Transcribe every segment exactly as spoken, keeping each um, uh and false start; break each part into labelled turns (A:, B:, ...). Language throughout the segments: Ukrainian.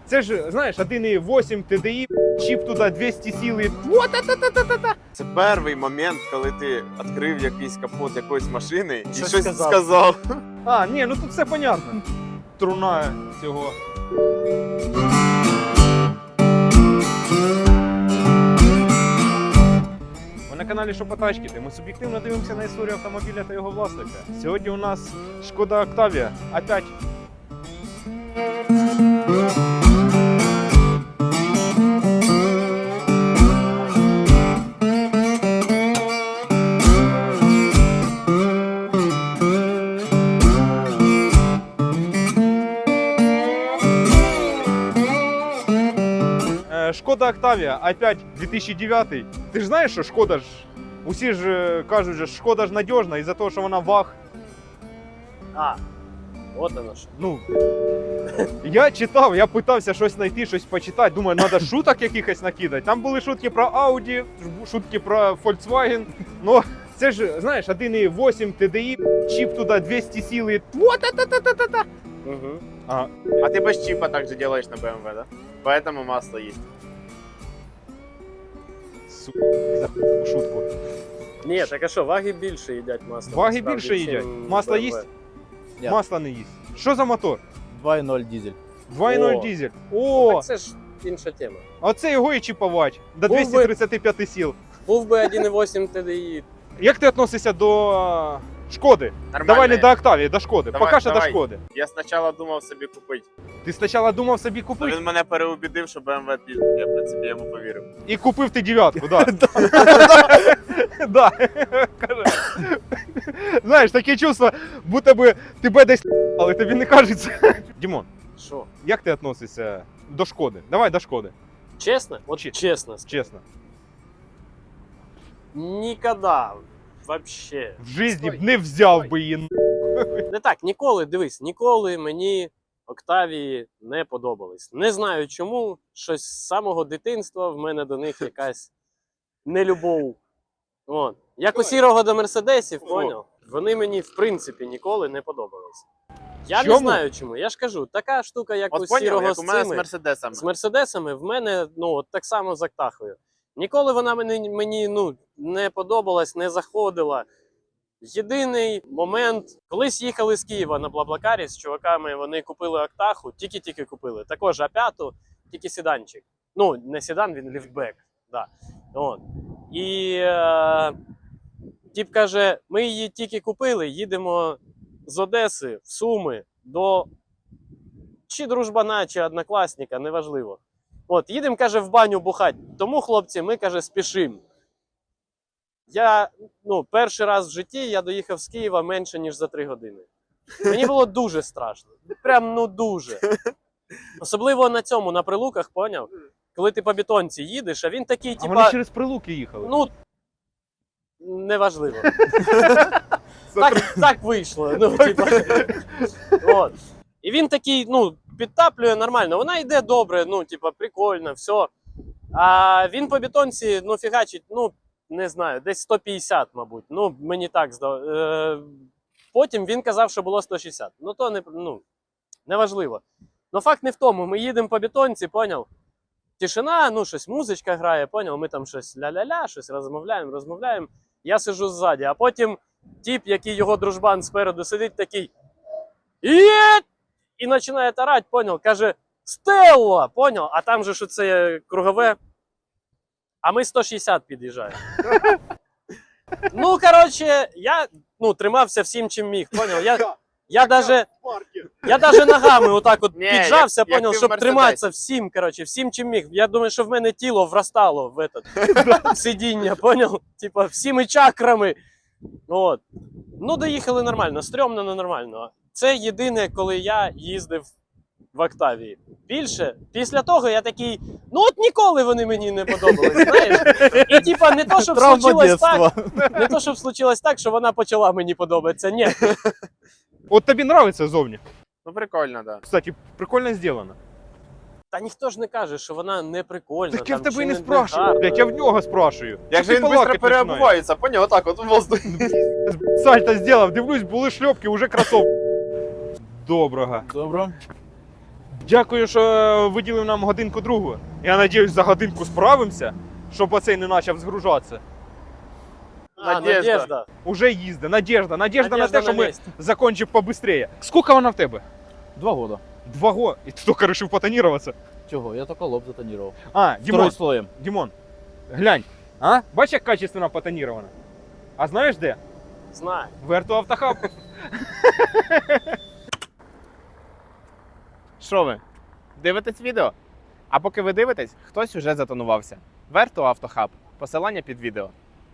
A: Це ж, знаєш, один і вісім Т Д І, чіп туди двісті сили. Та-та-та-та-та-та.
B: Це перший момент, коли ти відкрив якийсь капот якоїсь машини і
C: Щось
B: щось
C: сказав.
B: сказав.
A: А, ні, ну тут все понятно. Труна цього. Ви на каналі Шопотачки, де ми суб'єктивно дивимося на історію автомобіля та його власника. Сьогодні у нас Шкода Октавія. Опять. Е, Шкода Октавія, опять дві тисячі дев'ятий. Ти ж знаєш, що Шкода ж, усі ж е, кажуть, що Шкода ж надіжна із-за того, що вона ваг.
C: А, от воно що.
A: Ну, я читав, я питався щось знайти, щось почитати. Думаю, треба шуток якихось накидати. Там були шутки про Audi, шутки про Volkswagen. Ну, це ж, знаєш, один і вісім Т Д І, чіп туди двісті сили. Та-та-та-та-та-та.
C: Угу.
A: А,
B: А ти без чіпа так же делаешь на Б М В, да? Поэтому масло есть.
A: сука, за шутку.
C: Ні, так а що, ваги більше їдять масло.
A: Ваги
C: насправді,
A: більше їдять.
C: чим
A: Масло
C: Б М В.
A: їсть?
D: Ні.
A: Масло не їсть. Що за мотор?
D: два і ноль дизель.
A: два і нуль
C: О.
A: дизель. О,
C: Так це ж інша тема.
A: оце його і чіпувати. До
C: Був би-
A: двісті тридцять п'ять сил.
C: Був би один і вісім Т Д І.
A: Як ти відносишся до а, Шкоди?
B: Нормально.
A: Давай не до Октавії, до Шкоди.
B: Давай,
A: Поки що до
B: давай.
A: Шкоди.
B: Я спочатку думав собі купити.
A: Ти спочатку думав собі
B: То
A: купити
B: він мене переубідив, що Б М В пізд. Я, в принципі, йому повірив.
A: і купив ти дев'ятку, да. Да. Каже. Знаєш, таке чувство, будто би тебе десь але тобі не кажеться. Дімон,
C: Що?
A: як ти відносишся до Шкоди? Давай до Шкоди,
C: Чесно? От
A: Чи-
C: чесно.
A: чесно.
C: Ніколи. Вообще.
A: В житті б
C: Стой,
A: не взяв
C: стой.
A: би її.
C: Не так, ніколи, дивись, ніколи мені Октавії не подобались. Не знаю чому, щось з самого дитинства в мене до них якась нелюбов. От. Як у сірого до мерседесів,
B: О.
C: поняв? Вони мені в принципі ніколи не подобались. Я не
A: Чому?
C: знаю чому. Я ж кажу, така штука, як у
B: От поняв,
C: сірого
B: як
C: з
B: у мене з
C: цими,
B: Мерседесами.
C: з мерседесами, в мене ну от так само з Актахою. Ніколи вона мені, мені ну, не подобалась, не заходила. Єдиний момент, колись їхали з Києва на Блаблакарі з чуваками, вони купили Актаху, тільки-тільки купили. Також А п'ять, тільки седанчик. Ну, не седан, він ліфтбек. Да. От. І е, тіп каже, ми її тільки купили, їдемо з Одеси в Суми до чи дружбана, чи однокласника, неважливо. От, їдемо, каже, в баню бухать. Тому, хлопці, ми, каже, спішимо. Я, ну, перший раз в житті я доїхав з Києва менше, ніж за три години. Мені було дуже страшно. Прям, ну, дуже. Особливо на цьому, на Прилуках, поняв? Коли ти по бетонці їдеш, а він такий,
A: А
C: типа,
A: вони через Прилуки їхали.
C: ну, неважливо. Так, так вийшло. Ну, типа, от. І він такий, ну, підтаплює нормально. Вона йде добре, ну, типа, прикольно, все. А він по бетонці, ну, фігачить, ну, не знаю, десь сто п'ятдесят, мабуть. Ну, мені так здалося. Е, потім він казав, що було сто шістдесят. Ну, то не, ну, неважливо. Ну, факт не в тому. Ми їдемо по бетонці, поняв? Тишина, ну, щось музичка грає, поняв? Ми там щось ля-ля-ля, щось розмовляємо, розмовляємо. Я сиджу ззаді, а потім тіп, який його дружбан спереду сидить, такий «Єт!» і починає тарать, поняв? Каже «Стелла!» Поняв? А там же що це кругове. А ми сто шістдесят під'їжджаємо. Ну, коротше, я ну, тримався всім, чим міг, поняв? Я, я даже, я даже ногами отак от
B: Ні,
C: піджався,
B: як- як
C: поняв,
B: ти в
C: щоб
B: Мерседесі.
C: триматися всім, коротше, всім, чим міг. Я думаю, що в мене тіло вростало в, этот, в сидіння, поняв? Типа, всіми чакрами. От. Ну, доїхали нормально, стрьомно, но нормально. Це єдине, коли я їздив в Октавії. Більше, після того я такий, ну от ніколи вони мені не подобались, знаєш? І типа не то, щоб
D: Травма
C: случилось так,
D: детства.
C: не то, щоб случилось так, що вона почала мені подобатися. Ні.
A: От тобі нравиться зовні.
B: Ну, прикольно, да.
A: Кстати, прикольно зроблено.
C: Та ніхто ж не каже, що вона не прикольна.
A: Так я в
C: там,
A: тебе і
C: чи
A: не спрашиваю,
C: гарна.
A: блядь, я в нього спрашую.
B: Як
A: Що
B: же
A: ти
B: він швидко
A: балакати починаєш?
B: переобувається, поняв? Отак от в воздух.
A: Сальто зробив, дивлюсь, були шльопки, уже кросовки. Доброго.
D: Добро.
A: Дякую, що виділив нам годинку другу. Я надіюсь, за годинку справимося, щоб оцей не почав згружатися.
C: А,
B: Надежда.
C: Надежда.
A: Уже їздить. Надежда. Надежда,
C: Надежда
A: на те, що
C: на
A: ми
C: місці.
A: закончимо побыстрее. Скільки вона в тебе?
D: Два года.
A: Два года. І ти тільки вирішив потоніруватися?
D: Чего? Я только лоб затонировал.
A: А, Дімон,
D: Второй слоем.
A: Дімон, глянь. А? Бачиш, як качественно потонірована? А знаєш де?
C: Знаю.
A: Верту Автохаб.
B: Що ви? Дивитесь відео? А поки ви дивитесь, хтось уже затонувався. Верту Автохаб. Посилання під відео.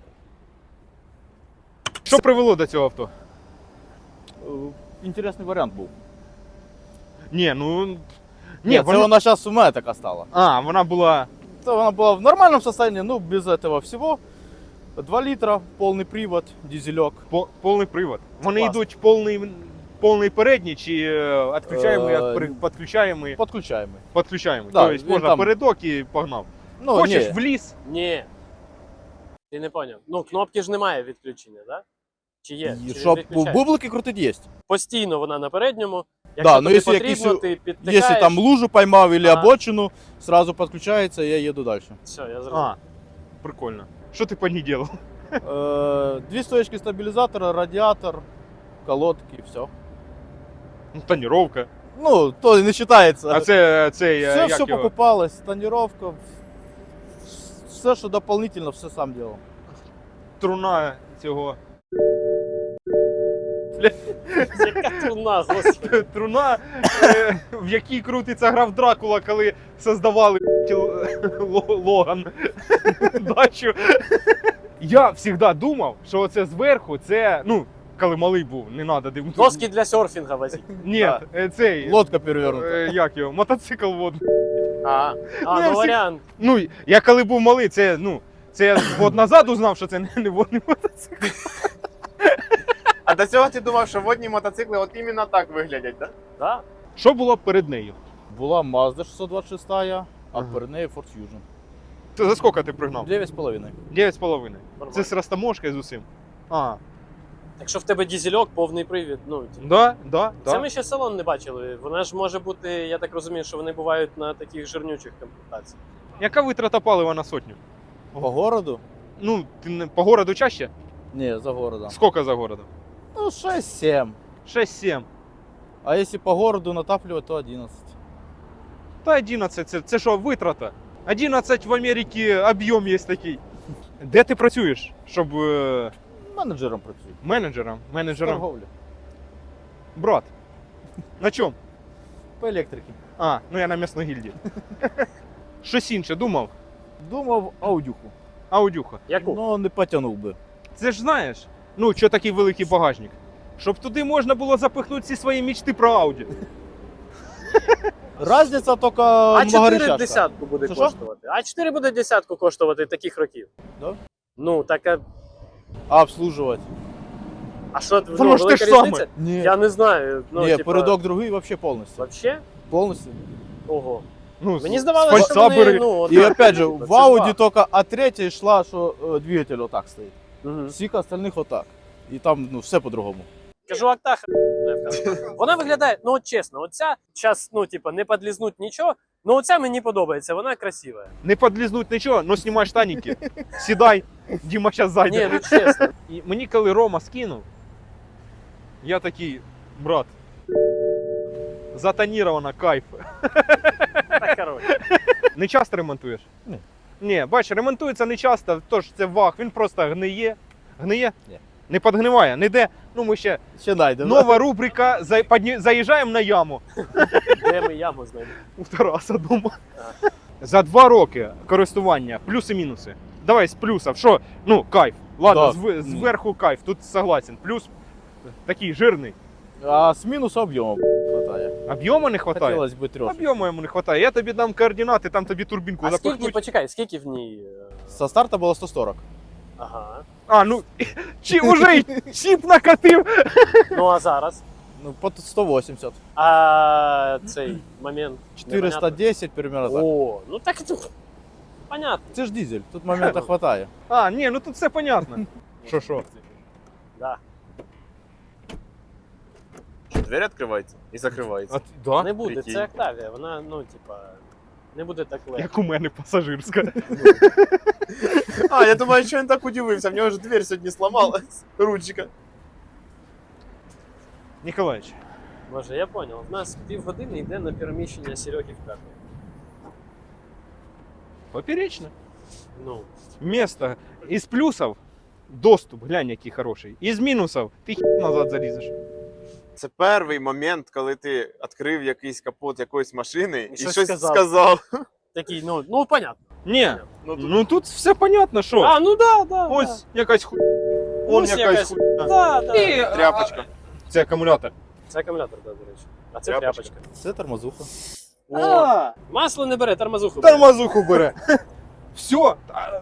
A: Що привело до цього авто?
D: Э, Интересный вариант был.
A: Ні, ну... Ні,
D: Нет, это
A: вона...
D: она сейчас у меня такая стала.
A: А, вона була...
D: Это она была в нормальном состоянии, ну, без этого всего. два литра, полный привод, дизелек.
A: По- повний привод. Вони
D: Класно.
A: йдуть повний, повний передній чи е, відключаємо,
D: Е,
A: як при- підключаємо,
D: Подключаемый.
A: підключаємо.
D: Да,
A: Тобто
D: він
A: можна
D: там-
A: передок і погнав.
D: Ну,
A: Хочеш
D: не.
A: в ліс?
C: Ні. Ти не поняв. Ну, кнопки ж немає відключення, так? Да? Чи є?
D: И
C: Чи
D: чтоб
C: відключаєш?
D: бублики крутить есть.
C: Постійно вона на передньому.
D: Да,
C: Якщо
D: ну,
C: тобі
D: якщо
C: потрібно,
D: якийсь-
C: ти підтикаєш.
D: Если там лужу поймал или
C: Ага.
D: обочину, сразу подключается, и я еду дальше.
C: Все, я зрозумів.
A: А, прикольно. Що ти по ній робив?
D: Э, Две стоечки стабилизатора, радиатор, колодки, все.
A: Ну, тоніровка.
D: Ну, то и не считается.
A: А це цей, е,
D: все,
A: як
D: все
A: його?
D: покупалось, тонировка, все, что дополнительно, все сам делал.
A: Труна цього.
C: Яка труна, господи.
A: Труна, е, в якій крутиться граф Дракула, коли создавали Ло- Логан дачу. Я завжди думав, що оце зверху, це, ну, коли малий був, не треба дивитися.
C: Доски для серфінга возіть.
A: Ні,
D: Да.
A: е, цей,
D: Лодка перевернута.
A: е, як його, мотоцикл водний.
B: А,
C: А,
A: Ну, я
C: ну
A: всі-
C: варіант.
A: Ну, я коли був малий, це, ну, це я год назад узнав, що це не, не водний мотоцикл.
B: а до цього ти думав, що водні мотоцикли от іменно так виглядять, так?
C: Да?
A: Що було перед нею?
D: Была Mazda шестьсот двадцать шесть, а
A: Ага.
D: перед нею Ford Fusion.
A: Це за скільки ти пригнав?
D: Девять с половиной.
A: Дев'ять з половиною.
C: Нормально.
A: Це з розтаможкою з усім. А,
C: Якщо в тебе дізельок, повний привід, ну, типу.
A: да, да,
C: Це
A: да.
C: ми ще салон не бачили. Вона ж може бути, я так розумію, що вони бувають на таких жирнючих комплектаціях.
A: Яка витрата палива на сотню?
D: По городу?
A: Ну, ти не- по городу чаще?
D: Не, за городом.
A: Скільки за городом?
D: Ну, шесть-семь.
A: шесть-сім.
D: А если по городу натапливать, то одиннадцать.
A: Та одинадцять, це, це що, витрата? одинадцять в Америці об'єм є такий. Де ти працюєш, щоб е,
D: Менеджером працюю.
A: менеджером,
D: З
A: менеджером,
D: торговлі.
A: брат, на чому?
D: По електриці.
A: А, ну я на м'ясної гільдії. Щось інше думав,
D: Думав аудюху.
A: аудюха.
C: Яку?
D: Ну, не потягнув би.
A: Це ж знаєш, ну, що такий великий багажник? Щоб туди можна було запихнути всі свої мічти про Ауді.
D: Разниця тільки
C: А чотири
D: многорічашка.
C: десятку буде
D: Що, що?
C: коштувати. А чотири буде десятку коштувати таких років.
D: Да?
C: Ну, так а,
D: А обслужувати?
C: а що,
A: Воно
C: ну,
A: ж те
C: велика
A: ж саме.
C: різниця?
D: Ні.
C: Я не знаю. Ну,
D: Ні,
C: типа,
D: передок другий вообще повністю.
C: Вообще?
D: Повністю.
C: Ого.
A: Ну,
C: Мені
A: з-
C: здавалося,
A: з
C: що вони,
A: фальцабери.
C: ну,
D: І
C: отак,
D: опять же,
C: типа,
D: в
C: це
D: Ауді
C: два.
D: тільки А третя йшла, що е, двигатель отак стоїть.
C: Мгм.
D: Всіх остальних отак. І там ну, все по-другому.
C: Кажу, актах. Вона виглядає, ну от чесно, оця, зараз, ну, типа, не подлізнуть нічого, ну оця мені подобається, вона красива.
A: Не подлізнуть нічого, но знімай штаніки, сідай, Діма зараз зайде.
C: Ні, ну чесно.
A: І мені коли Рома скинув, я такий, брат, затонірована, кайф.
C: Так, коротше.
A: Не часто ремонтуєш?
D: Ні.
A: Ні, бач, ремонтується не часто, тож це вах, він просто гниє. Гниє?
D: Ні.
A: Не підгниває, не йде. Ну ми ще
D: Ще найдемо.
A: нова рубрика, за- подні- заїжджаємо на яму.
C: Де ми яму знайдемо?
A: У Тараса дома. За два роки користування, плюси-мінуси. Давай з плюсів. Що? Ну, кайф. Ладно,
D: Да.
A: зв- зверху кайф, тут согласен. Плюс такий жирний.
D: А з мінусу об'єму хватає.
A: Об'єму не вистачає?
D: Хотілося б трьох.
A: Об'єму йому не вистачає. Я тобі дам координати, там тобі турбінку
C: А скільки,
A: запихнуть.
C: почекай, скільки в ній? е,
D: Со старта було сто сорок.
C: Ага.
A: А, ну, чи уже й чіп накатив?
C: Ну а зараз?
D: Ну, по сто вісімдесят.
C: А цей момент.
D: чотириста
C: непонятно.
D: десять примерно так.
C: О, ну так це понятно.
D: Це ж дизель, тут моменту хватає.
A: А, ні, ну тут все понятно. Що, що?
C: Да.
B: Що двері відкриваються і закриваються.
A: А, да?
C: Не буде,
B: Прикинь.
C: це Октавія, вона, ну, типа, не буде так легко.
A: Як у мене пасажирська.
B: А, я думаю, що він так удивився, в нього ж двері сьогодні сломалась. Ручка.
A: Ніколаїч,
C: Боже, я понял. У нас півгодини йде на переміщення Сереги в п'яту.
A: поперечно.
C: Ну,
A: Место. Із плюсів доступ, глянь, який хороший. Із мінусів ти хі назад залізеш.
B: Це перший момент, коли ти відкрив якийсь капот якоїсь машини і,
C: щось
B: щось
C: сказав.
B: сказав.
C: такий, ну, ну, понятно.
A: Ні,
B: Ну, тут
A: ну тут все понятно, що.
C: А, ну да, да.
A: Ось якась ху...
C: да.
A: Он
C: Ось
A: якась
C: якась
A: ху...
C: Да, да.
A: І, а,
B: тряпочка.
A: Це акумулятор.
C: Це акумулятор, да, до речі. А це
B: Тряпочка.
C: тряпочка.
D: Це тормозуха.
C: О, масло не бере, тормозуху бере.
A: Тормозуху бере. Все.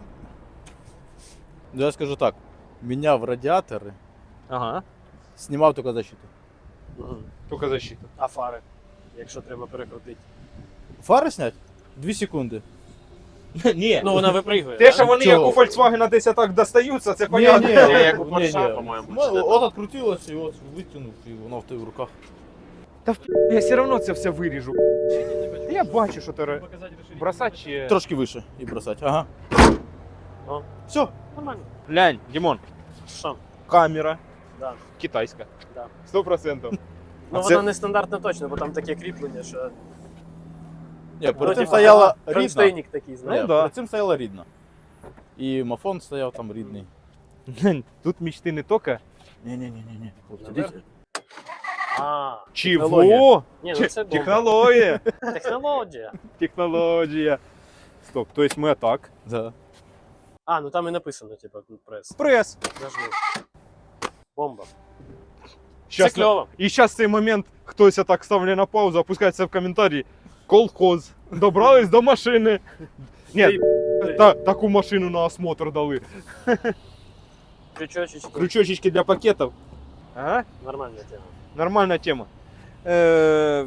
D: Ну, я скажу так, міняв радіатори,
A: Ага.
D: знімав тільки защиту.
C: Мгм.
A: Тільки защита.
C: А фари, якщо треба перекрутити.
D: Фари снять? Дві секунди.
A: Ні.
C: Ну, вона випригує.
A: Те,
C: да?
A: що вони
D: Чого?
A: як у Volkswagen десь так достаються, це
D: Ні,
A: понятно.
D: ні,
B: Ні, як у
D: ні,
B: Порша,
D: ні.
B: по-моєму,
D: Ну,
B: чи де
D: От
B: там.
D: відкрутилось і от витягнув, і воно в тебе в руках.
A: Та в... я все одно це все виріжу. Я бачу, що ти бросати чи...
D: Трошки вище і бросати. Ага.
C: О.
D: Все.
C: Нормально.
A: Глянь, Дімон,
C: Що?
A: камера
C: Да.
A: китайська.
C: Да.
A: Сто процентів.
C: Ну,
A: А
C: вона
A: це-
C: не стандартна точно, бо там таке кріплення, що...
D: Ні,
C: Ну,
D: перед цим
C: типа,
D: стояла рідна.
C: кронштейник такий, знаєш?
A: Ну,
D: Ні,
A: да.
D: перед цим стояла рідна. І мафон стояв там рідний.
A: Тут мечти не тільки.
D: Ні-ні-ні-ні.
C: Наверно. А,
A: Чого?
C: ні, ну
A: Чи-
C: це бомба.
A: Технологія.
C: Технологія.
A: Технологія. Стоп, то есть ми так.
D: Да.
C: А, ну там і написано, типа, прес.
A: Прес.
C: Нажми. Бомба.
A: Щас
C: Це кльово.
A: І зараз цей момент хтось так ставлять на паузу, опускається в коментарі. Колхоз. Добрались до машини. Ні, та, таку машину на осмотр дали.
C: Крючочечки.
A: Крючочки для пакетів. Ага.
C: Нормальна тема.
A: Нормальна тема. Е,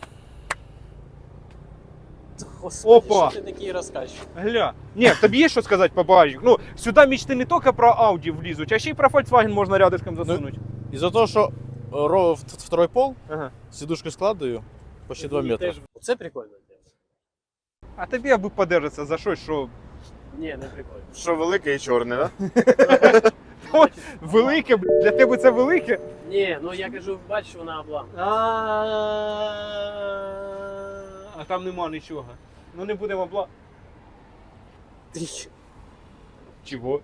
C: Господи,
A: Опа.
C: що ти такий розказчик?
A: Гля. Ні, тобі є що сказати по багажнику? Ну, сюди мечти не тільки про Audi влізуть, а ще й про Volkswagen можна рядышком засунути.
D: Із-за того, що ро- в- второй пол,
A: Ага.
D: сидушки складаю, почти два метри.
C: Теж- Це прикольно. тема.
A: А тобі аби подержатися за щось, що
C: Ні, не прикольно.
B: Що велике і чорне, так?
A: Ой, велике, бля, для тебе це велике.
C: Ні, ну я кажу, бачиш, вона облам.
A: А там нема нічого. Ну не будемо бла. Чого?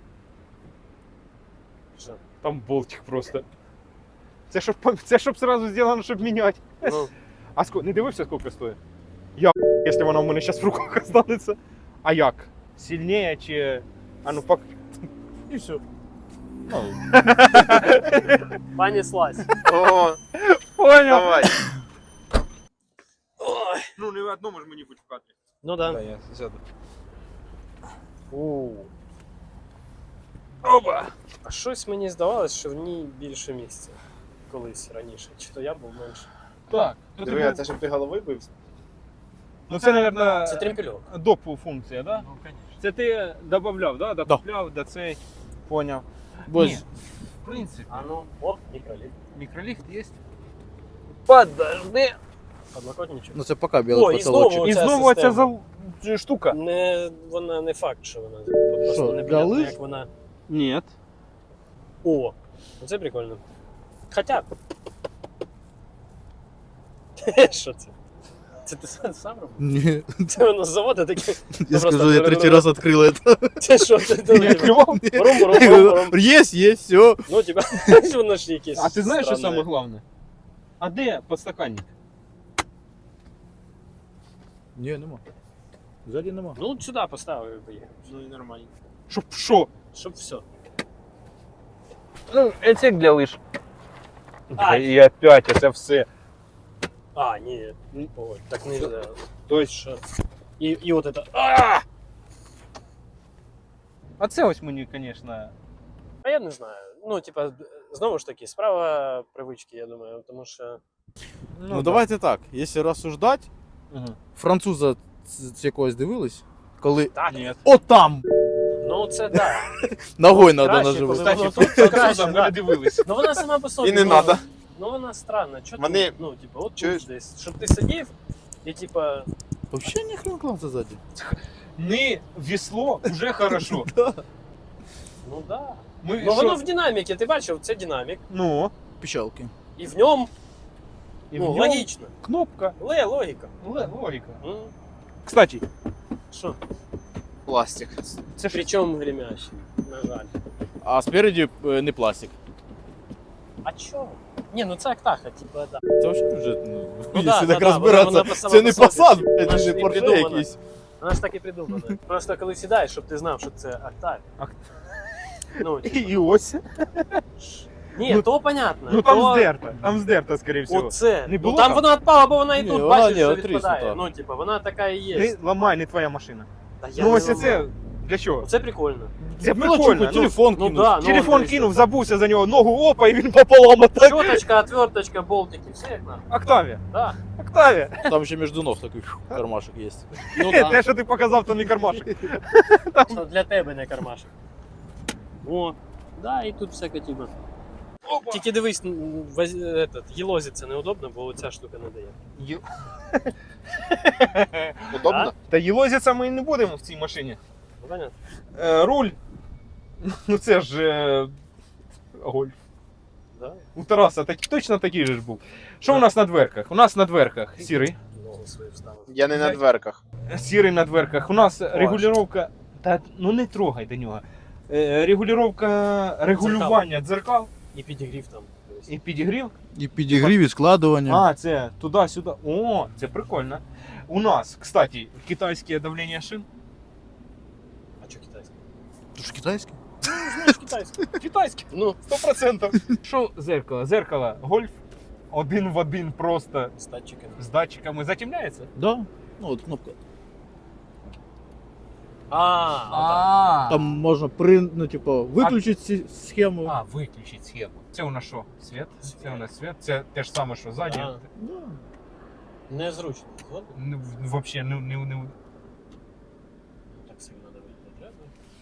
C: Що?
A: Там болтик просто. Це щоб, це щоб сразу зроблено, щоб міняти.
C: Ну,
A: А ско... не дивився, скільки стоїть? Я, якщо вона в мене зараз в руках останеться. А як? Сильніше чи... А ну пак...
D: І все. Ну,
C: пані слазь.
B: О,
A: Понял.
B: давай.
C: Ой.
A: Ну не в одному ж мені будь в кадрі.
C: Ну да.
A: Да, я сяду.
C: У.
A: Оба!
C: А щось мені здавалось, що в ній більше місця. Колись раніше. Чи то я був менше.
A: Так.
B: Диви, а це щоб ти головою бився?
A: Ну це, мабуть,
C: Це тремпельок.
A: доп функція, да?
C: Ну, звісно.
A: Це ти додавав, да? Докупляв до цей. Поняв.
D: бо
A: Ні. В принципі,
C: А ну, оп, мікроліт.
A: мікроліфт є. Подожди.
C: Подлокотничок.
D: ну це поки білий
C: О, і
D: потолочок.
C: знову
A: І
C: оця
A: знову ця
C: система.
A: за... штука.
C: Не, вона не факт, що вона. Просто
D: Що,
C: не
D: для
C: понятно,
D: лиж?
C: як вона.
A: Ні.
C: О, це прикольно. Хоча. Що це? Це ти сам сам робив?
D: Ні,
C: Це воно з заводу таке.
D: я
C: просто
D: скажу, я третій раз відкрив це.
C: Це що? Це
A: Не
C: ти
A: відкривав?
C: Рум, рум, рум, рум.
D: Є, є, все.
C: Ну, типа, воно ж якесь.
A: А ти знаєш, що
C: странне.
A: саме головне? А де подстаканник?
D: Ні, нема. Ззаді нема.
C: Ну, от сюди поставив і поїхав.
B: Ну і нормально.
A: Щоб що?
C: Щоб все.
A: Ну, це для лиш.
C: Ай.
A: І опять це все.
C: А, ні. Ой, так не можна.
A: Тобто,
C: Що? І, і от это. А!
A: а це ось мені, звісно.
C: А я не знаю. Ну, типа, знову ж таки, справа привички, я думаю, тому що.
D: Ну,
A: да.
D: давайте так, якщо розсуждати,
A: Угу.
D: француза з з якогось дивились, коли
C: Так.
A: Ні.
D: отам
C: Ну, це так.
D: ногою треба
C: Краще,
D: наживати.
C: коли-
A: Кстати,
C: Ну,
A: тут
C: тут краще,
A: французам ми
C: да.
A: не дивилися.
C: Ну, вона сама по собі.
B: І не
C: ну,
B: надо.
C: Ну вона странна. Чо
B: Вони-
C: ти, ну, типу, от
B: Чуєш?
C: тут десь, щоб ти сидів і типа.
D: Вообще не хрен класса сзади.
A: Не весло, вже хорошо.
C: Ну да.
A: Ми,
C: Ну
A: що?
C: воно в динаміки, ти бачив, це динамік.
A: Ну,
D: Печалки.
C: І в ньому,
A: і
C: ну,
A: в ньому
C: логічно.
A: кнопка.
C: Ле, логіка.
A: Ле- Логіка.
C: М,
A: Кстати,
C: Що?
B: Пластик.
A: це ж
C: Причому гремящий, на жаль.
D: А спереди э, не пластик.
C: А чо? Ні, ну це Актаха, типа, да.
D: Це вообще вже, ну,
C: Ну
D: якщо
C: да,
D: так
C: да,
D: розбиратися,
C: вона- вона сама
D: це не
C: по собі.
D: посад, блядь,
C: Вона ж
D: не
C: не
D: порше
C: придумана.
D: якийсь.
C: Вона ж так і придумана. Просто коли сідаєш, щоб ти знав, що це Актаві.
A: Ак-
C: Ну, типу,
A: і ось.
C: ні,
A: Ну,
C: то понятно.
A: Ну там
C: то...
A: здерта, там здерта, скоріше всього.
C: Оце.
A: Не
C: Ну
A: було
C: там
A: там?
C: вона відпала, бо вона і
D: Ні,
C: тут,
D: вона
C: бачиш,
D: ні,
C: що
D: отріснута.
C: відпадає. Ну, типа, вона така і є.
A: Не ламай, не твоя машина.
C: Та я
A: Ну
C: не
A: ось
C: ламаю.
A: це для чого?
C: Це прикольно.
A: Це
D: Мелочуку,
A: прикольно. Ну,
D: телефон
C: Ну
D: кинув.
C: да, ну,
A: телефон
C: он,
A: кинув, забувся за нього, ногу опа, і він пополам отак.
C: Щоточка, отверточка, болтики, все як надо.
A: Октавія,
C: Да.
A: Октавія.
D: Там ще між ног такий фу, кармашек є.
C: Ну
A: Те,
C: да.
A: що ти показав, то не кармашик.
C: Що для тебе не кармашек. О, да, і тут всяка типа.
A: Опа.
C: Тільки дивись, м, воз... этот, їлозі це неудобно, бо ця штука не дає.
A: Ю-
B: Удобно?
A: Та їлозіться ми не будемо в цій машині.
C: Ну, понятно.
A: Е, руль. Ну це ж е, гольф.
C: Да.
A: У Тараса так, точно такий же ж був. Що у нас на дверках? У нас на дверках сірий.
C: Ногу свою вставив.
B: Я не на дверках.
A: Сірий на дверках. У нас регулювання. Та ну не трогай до нього. Е, регулювання регулювання дзеркал
C: І підігрів там. дивись.
A: і підігрів.
D: І підігрів, і складування.
A: А, це туди-сюди. О, це прикольно. У нас, кстати, китайське давлення шин.
C: А що китайське?
D: Ти ж китайський?
C: Знаєш китайське.
A: Китайське,
C: Ну,
A: сто процентів. Що зеркало? Зеркало гольф. Один в один просто
C: з датчиками.
A: з датчиками затемняється.
D: Да. Ну от кнопка.
C: А,
A: А,
D: Там можна при, ну, типу, виключити ці схему.
A: а, виключить схему. Це у нас що? Світ? Це у нас світ. Це те ж саме, що ззаді.
C: А.
D: Да.
C: незручно. Згоден?
A: Ну, Взагалі не, не, не,
C: Так сильно давити не треба.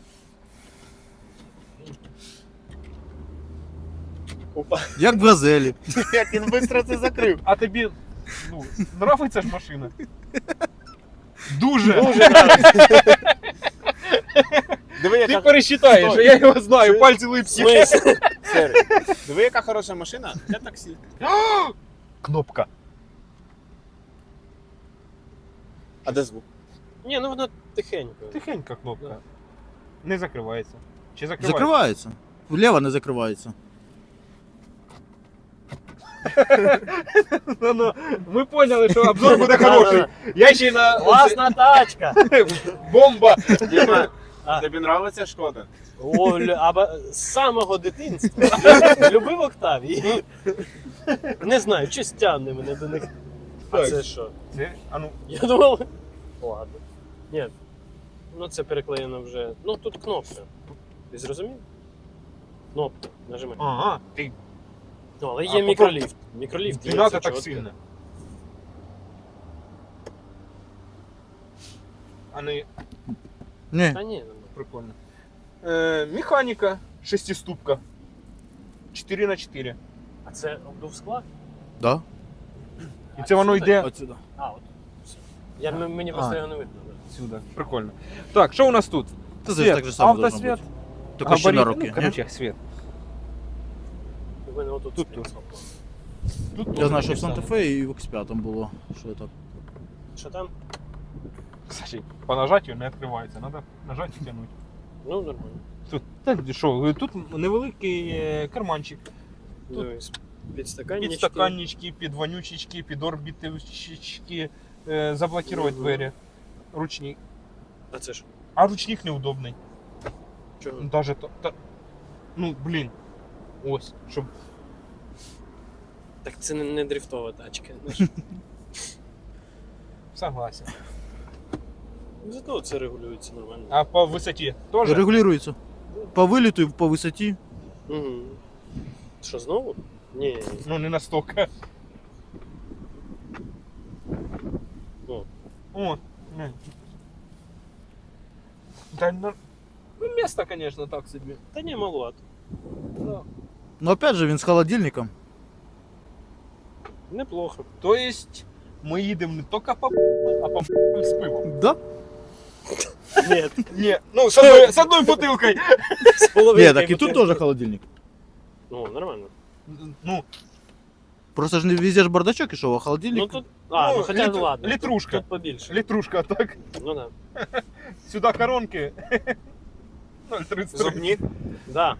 C: Опа.
D: Як в газелі.
B: Як він швидко це закрив.
A: А тобі ну, нравиться ж машина? Дуже.
C: Дуже нравится.
B: Диви,
A: Ти
B: яка...
A: пересчитаєш,
B: Стой.
A: я його знаю,
B: Чи-
A: пальці
C: В
A: липкі.
C: смысле?
B: Сері. Диви, яка хороша машина для таксі.
A: Кнопка.
B: А де звук?
C: Ні, ну вона тихенько.
A: Тихенька кнопка. Не закривається. Чи закривається?
D: Закривається. Вліво не закривається.
A: Ну, ну, ми поняли, що обзор буде хороший. Я ще й на
C: Класна тачка!
A: бомба.
B: Діма,
C: А.
B: тобі нравиться Шкода?
C: О, лю- аба... з самого дитинства. Любив Октавії. Не знаю, щось тягне мене до них. А
A: Так.
C: це що?
A: Це, а ну,
C: Я думав. Ладно. Ні. Ну це переклеєно вже. Ну тут кнопка. Ти зрозумів? Кнопка. Нажимай.
A: ага, ти
C: Ну, але
A: А,
C: є
A: попробуй.
C: мікроліфт. Мікроліфт
A: не
C: є.
A: надо
C: це
A: так
C: чітко.
A: сильно. А не
D: Ні.
C: Та ні, ну,
A: прикольно. Е, механіка, шестиступка. чотири на чотири.
C: а це обдув скла?
D: Да.
A: І це воно йде
D: Отсюда.
C: А, от. Все. Я, м- мені просто
D: А.
C: його не видно. да.
A: сюди. Прикольно. Так, що у нас тут?
D: Це
A: Світ,
D: так же само должно
A: автосвіт,
D: бути. Тільки ще на
A: габарит,
D: руки.
A: ну, короче, світ.
C: У мене отут
A: Тут
C: стоїть
A: тут.
C: сопло.
A: Тут
D: Я знаю, що
A: теж
D: в
A: таке
D: Санта-Фе і в ікс п'ять було. Що так.
C: Що там?
A: саме. Кстати, по нажаттю не відкривається, треба нажати і тягнути.
C: Ну, нормально.
A: Тут, так, що, тут невеликий е, карманчик. Тут
C: Дивись. Підстаканнички.
A: Підстаканнички, підвонючечки, підорбіточки, е, заблокувати
C: Мгм.
A: двері. Ручник.
C: А це що?
A: А ручник неудобний.
C: Чого?
A: Даже то, та, ну, блін. Ось, щоб.
C: Так це не, не дрифтова тачка. Ну, ж.
A: Согласен.
C: Зато це регулюється нормально.
A: А по висоті теж?
D: Регулюється. По виліту і по висоті.
C: Угу. Що, знову? Ні.
A: Ну, не настільки.
C: О.
A: О, не. Та, ну, ну, місто, конечно, так собі.
C: Та ні, маловато.
A: Да.
D: Ну опять же він з холодильником.
C: Неплохо.
A: То есть ми їдемо не тільки по а по з пивом.
D: Да?
C: Ні,
A: Ні, ну з одною, з одною бутилкою.
C: з половинкою.
D: Нет, так и тут
C: бутылки.
D: тоже холодильник.
C: Ну, нормально.
A: Ну,
D: Просто же не везде ж бардачок и шо, а холодильник.
C: Ну тут. А, ну,
A: Ну,
C: хоча
A: літ-
C: ну ладно.
A: літрушка.
C: Тут, тут побільше.
A: літрушка, так.
C: Ну да.
A: Сюди коронки. нуль тридцять три.
B: Зубні.
C: Да.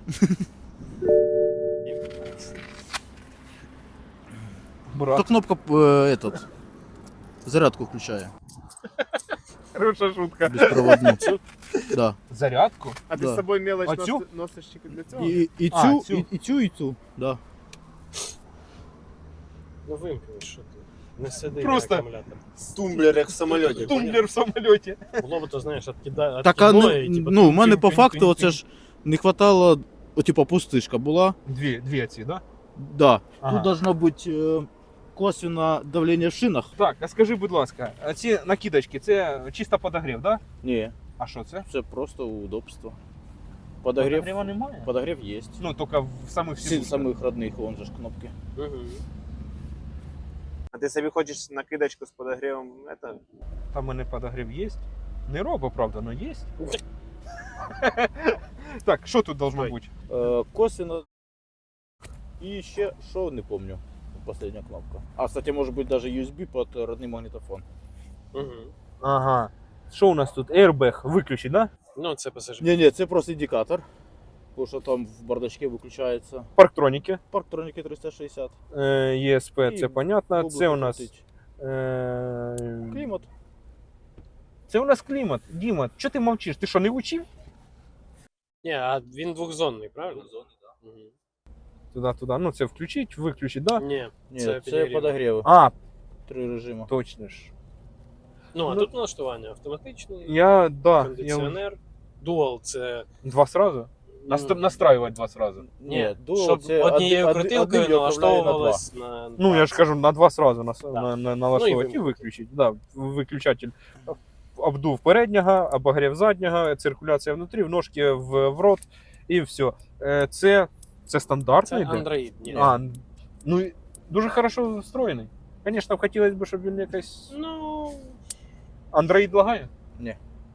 D: То
A: Брат,
D: кнопка э, этот зарядку включая.
A: хороша шутка.
D: Беспроводную. Да.
A: Зарядку?
B: А ти
D: Да.
B: з собою мелоч
A: А цю?
B: носи- носиш тільки для цього?
D: И, и,
A: А,
D: тю,
A: тю.
D: и, и тю, и тю. Да.
C: Ну вимкни, що ти. Не сиди
A: Просто-
C: на акумулятор.
B: Тумблер, як в самоліті.
A: Тумблер в самоліті.
C: Було б то, знаєш, откида...
D: Так, а
C: откидное,
D: не,
C: і, типу,
D: ну, у мене
A: тюнь,
D: по
A: тюнь,
D: факту
A: тюнь,
D: оце ж не хватало, о, типа пустишка була.
A: Дві, дві ці, да?
D: Да.
A: Ага.
D: Тут должно бути е, косвенно давлення в шинах.
A: Так, а скажи, будь ласка, а ці накидочки, це чисто подогрів, да?
D: Ні,
A: А що це?
D: це просто удобство. Подогрів,
A: Подогріва немає?
D: подогрів є.
A: Ну, тільки в самих
D: Всі
A: сідушках.
D: самих родних, вон же ж кнопки.
C: Мгм.
B: А ти собі хочеш накидочку з подогрівом? Это...
A: Там у мене подогрів є. Не робо, правда, але є. Так, що тут должно
C: Ой.
A: бути?
D: Е, косвенно. І ще, що не помню, остання кнопка. А, кстати, може бути даже ю ес бі під родний магнітофон.
C: Мгм.
A: Ага. Що у нас тут? Airbag виключить, да?
C: Ну, це пасажир.
D: Ні, ні, це просто індикатор. Тому що там в бардачці виключається.
A: Парктроніки.
D: Парктроніки триста шістдесят.
A: Е, є ес пе,
D: І
A: це понятно.
D: бублики
A: Це у нас.
D: крутить.
A: Е,
D: Клімат.
A: Це у нас клімат. Діма, що ти мовчиш? Ти що, не учив?
C: Ні, а він двохзонний, правильно? Двохзонний, так. Угу.
A: Туди-туди. Ну, це включить, виключить, да?
C: Ні,
D: Ні,
C: це
D: це,
C: підігрів.
D: подогріви.
A: А,
D: Три режими.
A: точно ж.
C: Ну, а
A: Ну,
C: тут налаштування автоматичний,
A: Я, да, я
C: кондиціонер, дуал це.
A: два сразу? Наст... Настраювати два сразу.
D: Ні, дуал
C: щоб
D: це
C: однією
D: один- один-
C: крутилкою
D: один управляє на два.
C: налаштовувалось на.
A: Ну, я ж кажу, на два сразу нас...
C: Да.
A: на, на, налаштовувати
C: Ну, і
A: і виключити. Да, виключатель. Обдув переднього, обогрів заднього, циркуляція внутрі, в ножки в, в рот і все. Е, Це, це
C: Це
A: стандартний йде?
C: Android. Ні.
A: А, ну, і дуже хорошо встроєний. Звісно, хотілося б, щоб він якось...
C: Ну.
A: Android лагає?
D: Ні.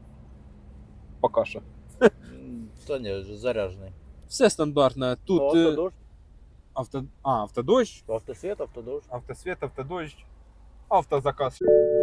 A: Поки що.
D: М, Та ні, вже заряджений.
A: Все стандартне. Тут
D: Ну,
A: е,
D: автодощ,
A: авто... а, автодощ,
D: автосвіт, автодощ.
A: автосвіт, автодощ, автозаказ.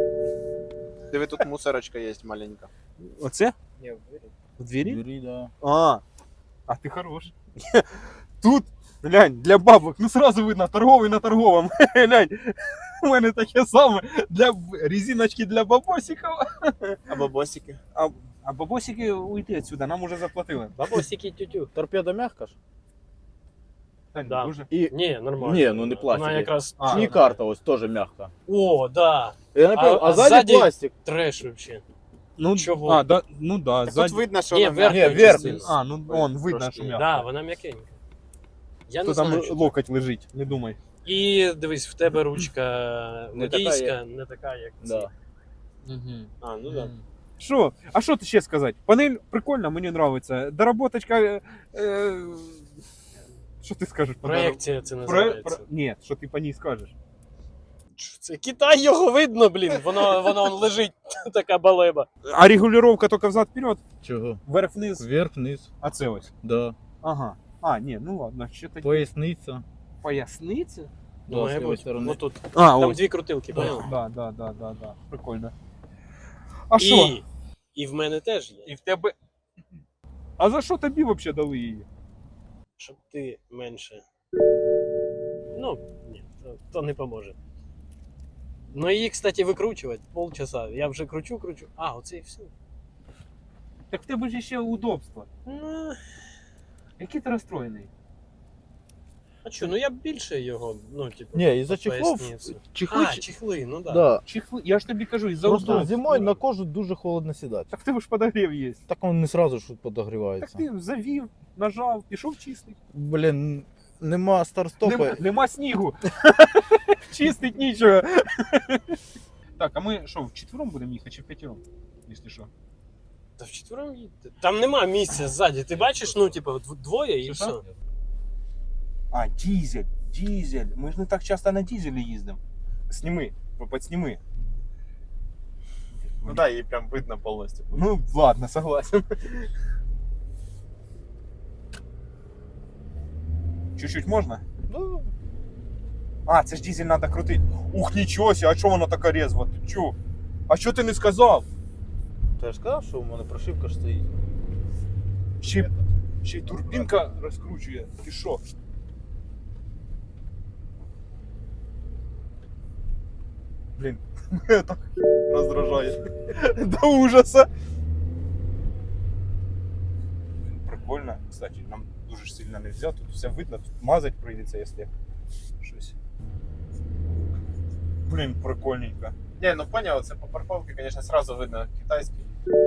B: Диви, тут мусорочка є маленька.
A: Оце?
B: Ні,
A: В двері?
D: Двері, да.
A: А, а ти хорош. Тут, глянь, для бабок, ну сразу видно, торговий на торговому. Глянь, у мене таке саме для б- резиночки для бабосиків.
B: А бабосики?
A: А, а бабосики уйти відсюди, нам уже заплатили.
C: Бабосики тютю.
D: Торпеда м'яка ж?
A: Та ні,
C: Да.
A: дуже.
D: І
C: Ні, нормально.
D: Ні, ну не
C: Вона
D: пластик.
C: якраз.
A: А,
D: і карта ось теж м'яка.
C: О, да.
D: Я не пам'ятаю,
C: А-
D: а,
C: а
D: ззаді
C: ззаді-
D: пластик.
C: Треш вообще.
A: Ну,
C: Чого?
A: А, да, ну да,
B: Так
A: ззаді.
B: тут видно, що
C: Ні,
B: вона
C: верх-
D: Ні,
B: м'яка.
D: верхній.
A: А, ну он видно,
B: Трошки.
A: що м'яко.
C: Да, вона м'якенька. Я
A: То
C: не
A: там
C: знаю, що це.
A: локоть лежить, не думай.
C: І дивись, в тебе ручка
D: Не така,
C: водійська,
D: як-
C: не така, як ці.
D: Да.
C: А, ну да.
A: Що? А що ти ще сказати? Панель прикольна, мені подобається. Доработочка. Е, е, що ти скажеш? по
C: Проекція це
A: дороб-
C: називається.
A: Про... Ні, що ти по ній скажеш?
C: Це Китай, його видно, блін. Воно, воно он лежить, така балеба.
A: А регулювання тільки взад-вперед,
D: Чого?
A: вверх-вниз,
D: Вверх, вниз.
A: а це ось.
D: Да.
A: Ага. А, ні, ну ладно, ще тоді.
D: Поясниця.
A: Поясниця?
D: Да,
C: Ну,
D: з
C: має
D: лівої
C: бути.
D: сторони.
C: Отут.
A: А,
C: Там
A: ось.
C: дві крутилки, понял?
A: Да, да, да, да, да. Прикольно. А що?
C: І, і в мене теж є.
A: І в тебе. А за що тобі взагалі дали її?
C: Щоб ти менше. Ну, ні, то, то не поможе. Ну її, кстати, викручувати полчаса. Я вже кручу, кручу. А, оце і все.
A: Так в тебе ж ще удобство.
C: Ну,
A: Який ти розстроєний?
C: а що, ну я б більше його, ну, типу.
D: Ні, із-за чехлов.
C: поясницю.
D: Чехли.
C: А, чехли, ну да.
D: Да.
A: Чехли, я ж тобі кажу, із-за
D: Просто
A: удобства.
D: зимою на кожу дуже холодно сідати.
A: Так в тебе ж подогрів є.
D: Так він не сразу ж
A: Так
D: подогрівається.
A: ти завів, нажав, пішов чистий.
D: Блін, нема старт-стопа.
A: Нема, нема снігу. Чистить нічого. Так, а ми що, вчетвером будемо їхати чи вп'ятером? Якщо що.
C: Та вчетвером їдьте. Там нема місця ззаді. Ти бачиш, ну, типу, дв- двоє і
A: Що,
C: все.
A: що? А, дизель. Дизель. Ми ж не так часто на дизелі їздимо. Сніми, підсніми.
B: Ну да, її прям видно повністю.
A: Ну, ладно, согласен. Чуть-чуть можна?
D: Ну,
A: А, це ж дизель треба крутити. Ух, нічого себе, а чого вона така резва? Ти чого? А що ти не сказав?
D: то я ж сказав, що у мене прошивка ж стоїть.
A: Ще, й- ще й турбінка розкручує. Ти що? Блін, мене так роздражає. До ужаса. Прикольно. Кстати, нам дуже ж сильно не можна. Тут все видно, тут мазать прийдеться, якщо щось. Блін, прикольненько.
B: Не, ну понял, це по парковці, конечно, сразу видно китайський.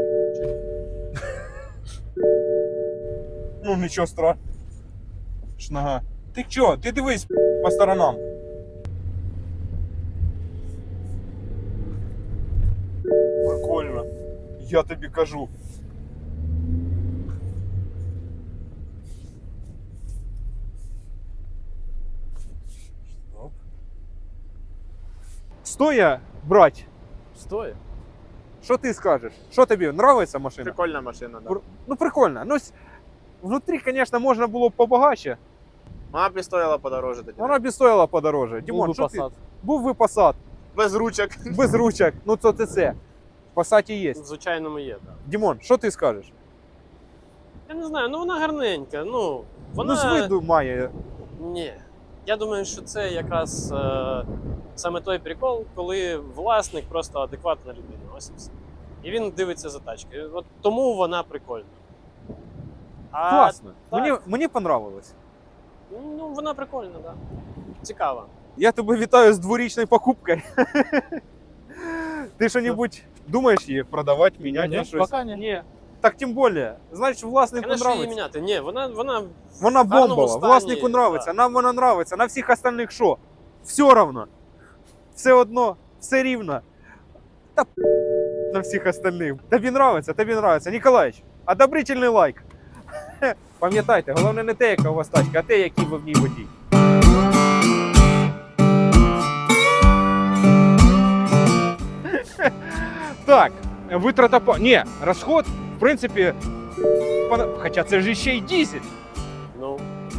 A: Ну нічого страшного. Шнага. Ти чо? Ти дивись по сторонам. Прикольно. Я тобі кажу. Стоп. Стоя, брать.
C: Стоїть.
A: Що ти скажеш? Що тобі нравиться машина?
B: Прикольна машина, да.
A: Пр- Ну прикольно. Ну, с- внутрі, конечно, можна було б побагаче.
B: Вона б і стояла подороже тоді.
A: Вона б і стоїла подороже. Дімон,
C: Був
A: що
C: би
A: ти?
C: Passat.
A: Був би Passat,
B: Без ручок.
A: без ручок. Ну то це це. В Passat є.
C: В звичайному є, так.
A: Дімон, що ти скажеш?
C: Я не знаю, ну вона гарненька. Ну, вона...
A: Ну з виду має.
C: Ні. Я думаю, що це якраз е, саме той прикол, коли власник просто адекватна людина. Ось і все. І він дивиться за тачкою. От тому вона прикольна. А,
A: Класно.
C: так.
A: Мені, мені понравилось.
C: Ну, вона прикольна, так. Да. Цікава.
A: Я тебе вітаю з дворічною покупкою. Ти що-небудь думаєш її продавати, міняти
D: Ні,
A: на щось?
D: поки ні.
A: Ні. Так тим більше. Значить, власнику
C: Звісно, її
A: нравиться.
C: міняти. Ні, вона, вона
A: Вона
C: в гарному
A: бомбова,
C: стані,
A: власнику нравиться,
C: да.
A: нам вона нравиться, на всіх остальних що? Все равно. Все одно, все рівно. Та п- на всіх остальних. Тобі нравиться, тобі нравиться. Ніколаїч, одобрительний лайк. Пам'ятайте, головне не те, яка у вас тачка, а те, який ви в ній водій. Так, витрата по... Ні, розход, в принципі, пона- хоча це ж ще й дизель.
C: ну.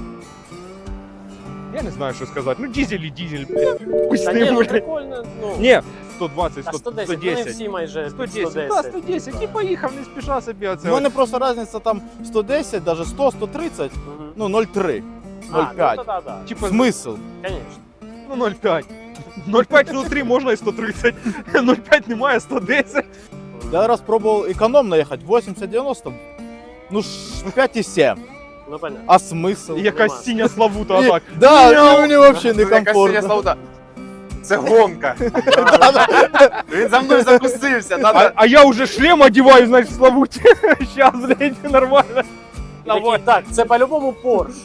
A: Я не знаю, що сказати. Ну, дизель і дизель. Пусть
C: Та
A: не
C: ні, ну
A: буде.
C: прикольно. Ну.
A: Ні, сто двадцять,
C: А
A: сто,
C: сто десять,
A: сто
C: вони
A: десять.
C: всі майже
A: сто
C: під
A: десять,
C: сто
A: да,
C: десять.
A: сто десять, і
C: типа.
A: поїхав, не спіша собі оце.
D: У мене просто різниця там сто десять, навіть сто, сто тридцять,
C: Мгм.
D: ну ноль три,
C: А,
D: ноль
C: ну,
D: п'ять.
C: да, да, да.
A: Типа,
D: Смисл?
C: Конечно.
A: ну, нуль п'ять. нуль п'ять внутрі можна і сто тридцять. нуль п'ять немає, сто десять.
D: Я раз пробував економно їхати, вісімдесят дев'яносто, ну ж п'ять і сім.
C: Ну, понятно.
D: А смисл?
A: І якась
C: нема.
A: синя славута
D: І-
A: отак.
D: Да,
A: Мяу.
D: мені взагалі
B: Якась синя
D: некомфортно.
B: славута. Це гонка. Він за мною закусився.
A: А,
B: Надо...
A: а я уже шлем одіваю, значить, в славуті. Щас, блядь, нормально.
C: І такий, так, це по-любому Порш.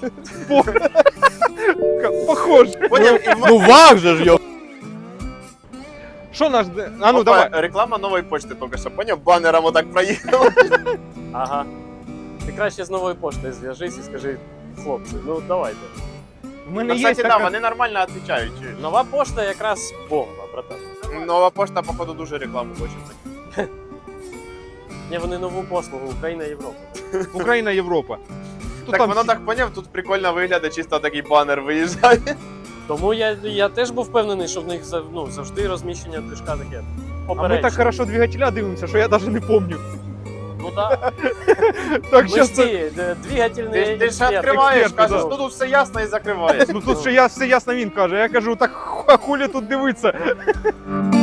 A: Похоже.
B: Поняв? І в
D: Ну ваг же ж, йо.
A: Що наш... де- А ну,
B: Опа,
A: давай.
B: реклама нової почти тільки що, поняв? Банером отак проїхав.
C: Ага. Ти краще з новою поштою зв'яжись і скажи, хлопці, ну давайте.
A: В мене
B: Ну,
A: є
B: кстати, да,
A: така...
B: вони нормально відповідають. чуєш?
C: Нова пошта якраз бомба, братан.
B: Нова пошта, походу, дуже рекламу хоче.
C: Ні, вони нову послугу, Україна, Європа.
A: Україна, Європа. Тут
B: Так
A: там
B: воно
A: всі-
B: так поняв, тут прикольно виглядає, чисто такий банер виїжджає.
C: Тому я, я теж був впевнений, що в них зав- ну, завжди розміщення движка таке.
A: А ми
C: попереднє.
A: так хорошо двигателя дивимося, що я навіть не пам'ятаю.
C: Ну так,
A: Так,
C: ми
A: щас
C: ж
A: це...
C: ці д- двигательні
B: Ти, ти ж
C: експерти.
B: відкриваєш,
A: експерти,
B: кажеш,
A: да.
B: ну тут все ясно і закриваєш.
A: Ну тут ще я, все ясно він каже. Я кажу, так ху- а хулі тут дивиться.